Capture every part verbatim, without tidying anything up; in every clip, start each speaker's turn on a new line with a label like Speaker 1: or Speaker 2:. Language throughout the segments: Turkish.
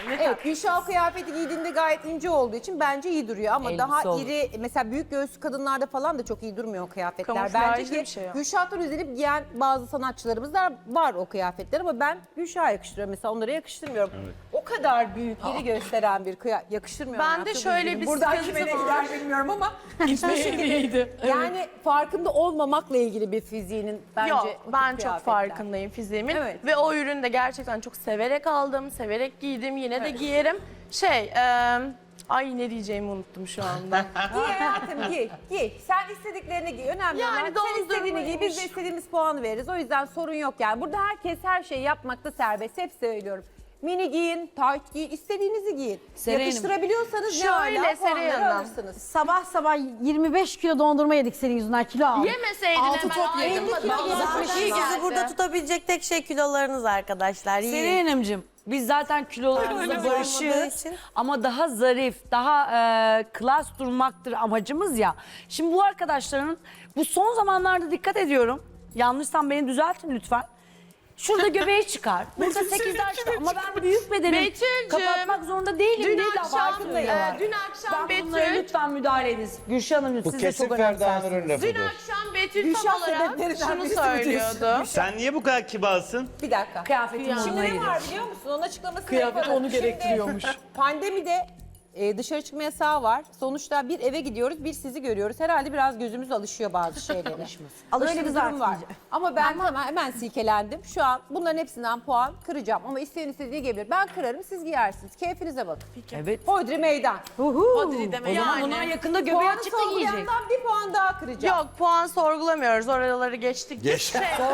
Speaker 1: Evet, Gülşah o kıyafeti giydiğinde gayet ince olduğu için bence iyi duruyor ama
Speaker 2: Elbise
Speaker 1: daha
Speaker 2: olur.
Speaker 1: iri, mesela büyük göğüslü kadınlarda falan da çok iyi durmuyor o kıyafetler.
Speaker 3: Kamuflajlı
Speaker 1: Bence ki
Speaker 3: bir şey o.
Speaker 1: Gülşah'tan özenip giyen bazı sanatçılarımız da var o kıyafetler ama ben Gülşah'a yakıştırıyorum mesela, onlara yakıştırmıyorum. O kadar büyük, iri gösteren bir kıyafet yakıştırmıyor.
Speaker 3: Ben
Speaker 1: hayatım,
Speaker 3: de şöyle
Speaker 1: üzgünüm.
Speaker 3: bir
Speaker 1: Buradan
Speaker 3: sıkıntı
Speaker 1: kime ne
Speaker 3: var.
Speaker 1: gider bilmiyorum ama hiçbir şekilde yani farkında olmamakla ilgili bir fiziğinin bence
Speaker 3: Yok,
Speaker 1: o tip
Speaker 3: ben çok
Speaker 1: kıyafetler.
Speaker 3: farkındayım fiziğimin.
Speaker 1: Evet.
Speaker 3: Ve o ürünü de gerçekten çok severek aldım, severek giydim, yine de giyerim. Şey, e, ay ne diyeceğimi unuttum şu anda.
Speaker 1: Giy hayatım, giy, giy. Sen istediklerini giy. Önemli
Speaker 3: Yani
Speaker 1: olan sen istediğini giy. Biz de istediğimiz puanı veririz. O yüzden sorun yok yani. Burada herkes her şeyi yapmakta serbest. Hep söylüyorum. Mini giyin, tight giyin, istediğinizi giyin.
Speaker 2: Seren'im,
Speaker 1: Yakıştırabiliyorsanız ne
Speaker 3: şöyle
Speaker 1: hala
Speaker 3: Seren
Speaker 1: puanları
Speaker 3: Hanım.
Speaker 1: alırsınız.
Speaker 4: Sabah sabah yirmi beş kilo dondurma yedik senin yüzünden, kilo aldık.
Speaker 3: Yemeseydin
Speaker 1: Altı
Speaker 3: hemen
Speaker 1: top yedim.
Speaker 3: ayrılmadan
Speaker 1: elli kilo
Speaker 3: zaten
Speaker 1: yedim.
Speaker 3: iyi
Speaker 5: Sizi
Speaker 3: geldi.
Speaker 5: burada tutabilecek tek şey kilolarınız arkadaşlar. Yiyin.
Speaker 2: Seren Hanımcığım, biz zaten kilolarımızla
Speaker 5: Öyle
Speaker 2: barışığız
Speaker 5: olmadığı için.
Speaker 2: ama daha zarif, daha e, klas durmaktır amacımız ya. Şimdi bu arkadaşların, bu son zamanlarda dikkat ediyorum, yanlışsam beni düzeltin lütfen. Şurada göbeği çıkar. Burada sekizler çıkar ama ben büyük bedenim.
Speaker 3: Betül'cüm,
Speaker 2: Kapatmak zorunda değilim.
Speaker 3: Dün
Speaker 2: değil de
Speaker 3: akşam,
Speaker 2: farkındayım.
Speaker 3: e, dün akşam
Speaker 2: Ben bunlara
Speaker 3: Betül,
Speaker 2: lütfen müdahale ediniz. Gülşah Hanımcığım,
Speaker 6: Bu
Speaker 2: siz de
Speaker 6: kesin
Speaker 2: çok
Speaker 6: Ferda
Speaker 2: önemsersiniz.
Speaker 6: Nur'un
Speaker 3: dün
Speaker 6: lafıdır.
Speaker 3: akşam Betül
Speaker 1: Gülşah
Speaker 3: tam olarak
Speaker 1: sebeplerinden
Speaker 3: şunu
Speaker 1: birisi
Speaker 3: söylüyordu.
Speaker 7: Sen niye bu kadar kibarsın?
Speaker 1: Bir dakika.
Speaker 2: Kıyafetim
Speaker 1: Şimdi
Speaker 2: onunla
Speaker 1: ne
Speaker 2: ilgili.
Speaker 1: var biliyor musun? Onun açıklamasını
Speaker 8: Kıyafet
Speaker 1: yaparım.
Speaker 8: onu gerektiriyormuş.
Speaker 1: Şimdi pandemide e, dışarı çıkma yasağı var. Sonuçta bir eve gidiyoruz, bir sizi görüyoruz. Herhalde biraz gözümüz alışıyor bazı şeylere. Öyle bir
Speaker 4: Alışırız
Speaker 1: durum
Speaker 4: artık
Speaker 1: var.
Speaker 4: iyice.
Speaker 1: Ama ben hemen, hemen silkelendim. Şu an bunların hepsinden puan kıracağım. Ama isteyen istediği gelebilir. Ben kırarım, siz giyersiniz. Keyfinize bakın.
Speaker 2: Evet.
Speaker 1: Hodri meydan.
Speaker 3: Hodri deme
Speaker 2: O zaman
Speaker 3: yani.
Speaker 2: bunlar yakında göbeği
Speaker 1: Puanı
Speaker 2: açık da giyecek.
Speaker 1: sorgulayandan bir puan daha kıracağım.
Speaker 3: Yok, puan sorgulamıyoruz. Oraları geçtik.
Speaker 6: Geç.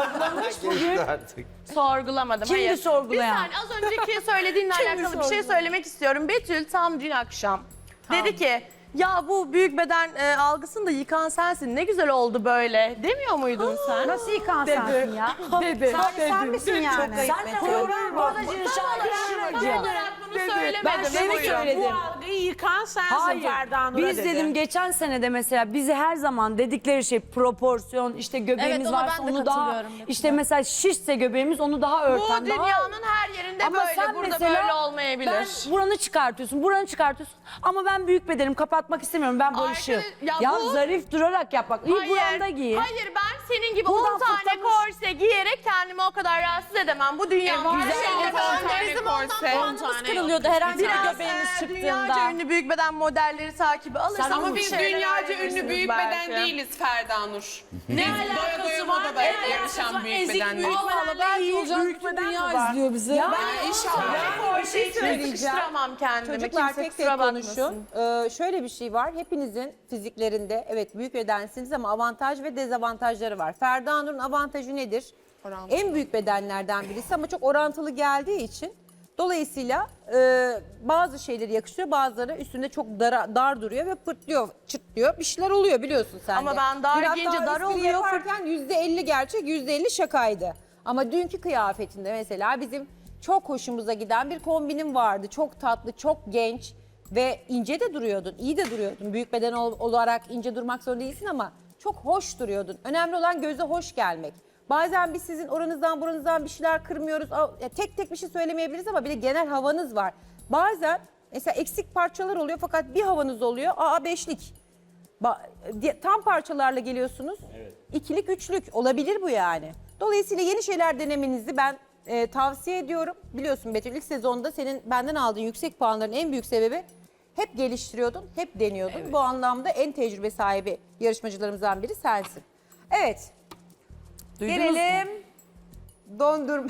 Speaker 6: Geçti artık.
Speaker 3: Sorgulamadım.
Speaker 2: Kimdi
Speaker 3: hayır.
Speaker 2: sorgulayan?
Speaker 3: Bir saniye, az önceki söylediğinle alakalı bir şey söylemek istiyorum. Betül tam dün akşam dedi ki ya bu büyük beden e, algısını da yıkan sensin. Ne güzel oldu böyle. Demiyor muydun sen?
Speaker 4: Nasıl yıkan sensin ya?
Speaker 8: Dedi.
Speaker 4: Sen, sen misin yani?
Speaker 2: Sen de koyuyorum modacı
Speaker 3: Tam
Speaker 2: şarkıcı.
Speaker 3: olarak bunu
Speaker 2: Ben
Speaker 3: söylemedim.
Speaker 2: seni
Speaker 3: Buyurun.
Speaker 2: söyledim.
Speaker 8: Bu algıyı yıkan sensin
Speaker 2: Hayır.
Speaker 8: Ferda Nur'a
Speaker 2: Biz
Speaker 8: dedi.
Speaker 2: dedim geçen sene de mesela bizi her zaman dedikleri şey proporsiyon, işte göbeğimiz
Speaker 3: Evet, ona
Speaker 2: varsa
Speaker 3: ben de
Speaker 2: onu daha
Speaker 3: katılıyorum dedim.
Speaker 2: işte mesela şişse göbeğimiz onu daha
Speaker 3: Bu
Speaker 2: örten, daha
Speaker 3: dünyanın her yerinde
Speaker 2: ama
Speaker 3: böyle.
Speaker 2: sen
Speaker 3: Burada
Speaker 2: mesela
Speaker 3: böyle olmayabilir.
Speaker 2: ben buranı çıkartıyorsun, buranı çıkartıyorsun ama ben büyük bedenim, kapatmak istemiyorum, ben barışığım.
Speaker 3: Arkadaş- ya
Speaker 2: Ya,
Speaker 3: bu-
Speaker 2: zarif durarak yapmak. İyi buranda giy.
Speaker 3: Hayır, ben senin gibi
Speaker 2: Buradan
Speaker 3: on tane
Speaker 2: fırlamış.
Speaker 3: korse giyerek kendimi o kadar rahatsız edemem. Bu dünyanın her şeyinde böyle. Bizim ondan puanımız kırılıyordu herhangi bir göbeğimiz çıktığında. Dünyaca ünlü büyük beden modelleri takibi alırsan
Speaker 8: Ama
Speaker 3: bu
Speaker 8: biz
Speaker 3: şeyleri
Speaker 8: dünyaca ünlü
Speaker 3: öğrenirsiniz
Speaker 8: büyük
Speaker 3: belki.
Speaker 8: beden değiliz Ferda Nur. Ne doya doya modada yarışan büyük beden değil.
Speaker 2: Allah belki olacak büyük beden mi var?
Speaker 8: izliyor bizi.
Speaker 2: Ya,
Speaker 8: Ben inşallah.
Speaker 3: Bir şey
Speaker 1: söyleyeceğim.
Speaker 3: Sıkıştıramam kendimi.
Speaker 1: Çocuklar
Speaker 3: Kimse
Speaker 1: tek tek
Speaker 3: kusura
Speaker 1: konuşun.
Speaker 3: bakmasın.
Speaker 1: Ee, şöyle bir şey var. Hepinizin fiziklerinde evet büyük bedensiniz ama avantaj ve dezavantajları var. Ferda Nur'un avantajı nedir?
Speaker 8: Orantılı.
Speaker 1: En büyük bedenlerden birisi ama çok orantılı geldiği için dolayısıyla e, bazı şeyleri yakışıyor, bazıları üstünde çok dara, dar duruyor ve pırtlıyor, çıtlıyor. Bir şeyler oluyor biliyorsun sen
Speaker 3: Ama
Speaker 1: de.
Speaker 3: ben dar
Speaker 1: Dün hatta
Speaker 3: giyince dar
Speaker 1: espri
Speaker 3: oluyor,
Speaker 1: yaparken yüzde elli gerçek, yüzde elli şakaydı. Ama dünkü kıyafetinde mesela bizim çok hoşumuza giden bir kombinim vardı. Çok tatlı, çok genç ve ince de duruyordun, iyi de duruyordun. Büyük beden ol- olarak ince durmak zorunda değilsin ama çok hoş duruyordun. Önemli olan göze hoş gelmek. Bazen biz sizin oranızdan buranızdan bir şeyler kırmıyoruz. Aa, ya tek tek bir şey söylemeyebiliriz ama bir de genel havanız var. Bazen mesela eksik parçalar oluyor fakat bir havanız oluyor. Aa beşlik. Ba- di- tam parçalarla geliyorsunuz. İkilik, üçlük olabilir bu yani. Dolayısıyla yeni şeyler denemenizi ben e, tavsiye ediyorum. Biliyorsun Betül ilk sezonda senin benden aldığın yüksek puanların en büyük sebebi hep geliştiriyordun, hep deniyordun. Bu anlamda en tecrübe sahibi yarışmacılarımızdan biri sensin. Evet.
Speaker 2: Duydunuz
Speaker 1: Gelelim dondurma.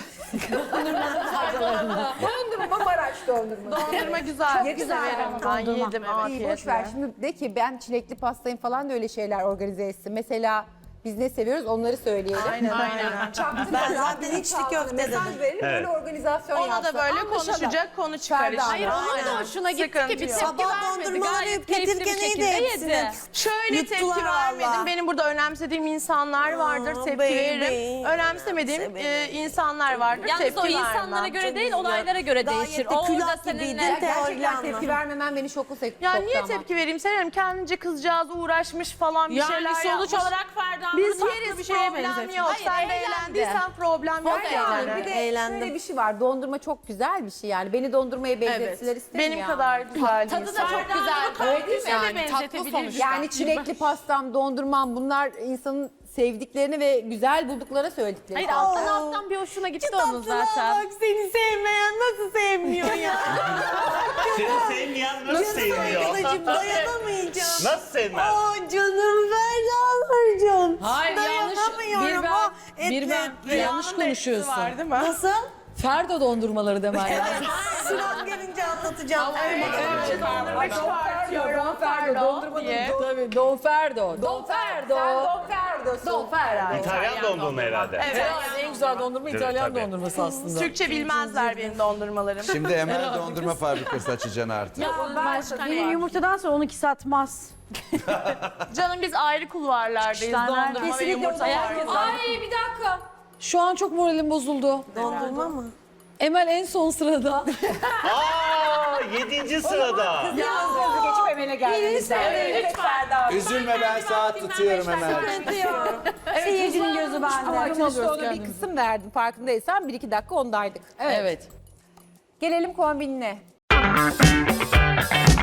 Speaker 1: dondurma Maraş dondurma.
Speaker 3: Dondurma güzel.
Speaker 1: Çok güzel
Speaker 3: Severim. Ben
Speaker 4: dondurma.
Speaker 3: yedim
Speaker 1: Aa,
Speaker 3: evet.
Speaker 1: iyi, boş ver şimdi de ki ben çilekli pastayım falan da öyle şeyler organize etsin. Mesela biz ne seviyoruz onları söyleyelim.
Speaker 3: Aynen aynen.
Speaker 5: Ben zaten içli köfte dedim.
Speaker 1: Mesaj verelim böyle organizasyon
Speaker 3: Ona
Speaker 1: yapsın.
Speaker 3: da böyle
Speaker 1: Anlaşalım.
Speaker 3: konuşacak, konu çıkaracak.
Speaker 1: Hayır,
Speaker 3: onun da hoşuna gitti ki bir
Speaker 5: Sabah dondurmaları yiyip getirken neydi hepsini?
Speaker 3: Şöyle
Speaker 5: Yuttular
Speaker 3: tepki vermedim.
Speaker 5: valla.
Speaker 3: Benim burada önemsediğim insanlar vardır,
Speaker 5: Aa,
Speaker 3: tepki
Speaker 5: baby.
Speaker 3: veririm. Önemsemediğim
Speaker 5: Severim.
Speaker 3: e, insanlar vardır,
Speaker 9: Yalnız
Speaker 3: tepki
Speaker 9: o
Speaker 3: vermem.
Speaker 9: insanlara göre değil,
Speaker 5: Çok
Speaker 9: olaylara göre
Speaker 5: Gayet
Speaker 9: değişir.
Speaker 5: de
Speaker 9: O orada
Speaker 5: külah
Speaker 9: seninle...
Speaker 5: gibiydin,
Speaker 1: Gerçekten
Speaker 5: teoriyle
Speaker 1: tepki
Speaker 5: anla.
Speaker 1: vermemen beni şoku soktu.
Speaker 3: Ya niye tepki vereyim Senem? Kendince kızcağız uğraşmış falan bir
Speaker 8: Yani
Speaker 3: şeyler
Speaker 8: sonuç
Speaker 3: yapmış.
Speaker 8: olarak Ferda
Speaker 3: Biz
Speaker 4: bunu
Speaker 3: yeriz
Speaker 4: bir şeye
Speaker 3: problem
Speaker 4: benzetmiş.
Speaker 3: yok.
Speaker 1: Hayır,
Speaker 3: Sen de
Speaker 1: eğlendi.
Speaker 3: eğlendiysen problem yok
Speaker 1: Yani
Speaker 3: yani.
Speaker 1: bir de
Speaker 5: Eğlendim.
Speaker 1: şöyle bir şey var. Dondurma çok güzel bir şey yani. Beni dondurmaya benzettiler isterim
Speaker 3: Benim
Speaker 1: yani.
Speaker 3: kadar güzel
Speaker 8: Tadı
Speaker 3: değil.
Speaker 8: da çok güzel.
Speaker 1: Öyle değil mi?
Speaker 8: Yani tatlı sonuçta.
Speaker 1: Yani çilekli pastam, dondurmam bunlar insanın sevdiklerini ve güzel buldukları söyledikleri.
Speaker 8: Hayır alttan alttan bir hoşuna gitti onun
Speaker 5: Tatlılığa
Speaker 8: zaten.
Speaker 5: bak, seni sevmeyen nasıl sevmiyor ya?
Speaker 6: Seni sevmeyen nasıl sevmiyor?
Speaker 5: Arkadaşım dayanamayacağım.
Speaker 6: Nasıl sevmez?
Speaker 5: Aa canım Ferdan
Speaker 7: Hayır yanlış.
Speaker 5: Dayanamıyorum.
Speaker 7: Bir
Speaker 5: o
Speaker 7: ben, bir ben
Speaker 5: etli.
Speaker 7: yanlış konuşuyorsun.
Speaker 3: Var değil mi?
Speaker 5: Nasıl?
Speaker 7: Ferdo dondurmaları demen lazım.
Speaker 5: Sıram gelince anlatacağım.
Speaker 1: Don Ferdo, dondurma
Speaker 3: diye.
Speaker 7: Tabii Don Ferdo. Don Ferdo.
Speaker 1: Don Ferdo'sun.
Speaker 7: Don Ferdo.
Speaker 6: İtalyan dondurma herhalde.
Speaker 7: Herhalde en güzel dondurma
Speaker 6: Evet,
Speaker 7: İtalyan
Speaker 6: tabii.
Speaker 7: dondurması aslında.
Speaker 3: Türkçe bilmezler benim dondurmalarım.
Speaker 9: Şimdi Emel dondurma fabrikası açacaksın artık.
Speaker 4: Benim yumurtadan sonra onunki satmaz.
Speaker 3: Canım biz ayrı kulvarlardayız.
Speaker 4: Kuşlar
Speaker 3: Dondurma
Speaker 4: nerede?
Speaker 3: ve
Speaker 1: Kesinlikle
Speaker 3: yumurta
Speaker 1: o da
Speaker 3: var.
Speaker 1: herkes-
Speaker 7: Ay bir dakika. Şu an çok moralim bozuldu.
Speaker 5: Dondurma mı?
Speaker 7: Emel en son sırada.
Speaker 6: Aa, yedinci sırada.
Speaker 1: Yalnız geçip Emel'e geldiniz. Evet, Ferda.
Speaker 9: Üzülme ben saat tutuyorum Emel.
Speaker 4: Seyircinin gözü bende.
Speaker 1: Ama işte ona bir kısım verdim farkındaysan. Bir iki dakika ondaydık.
Speaker 7: Evet.
Speaker 1: Gelelim kombinine.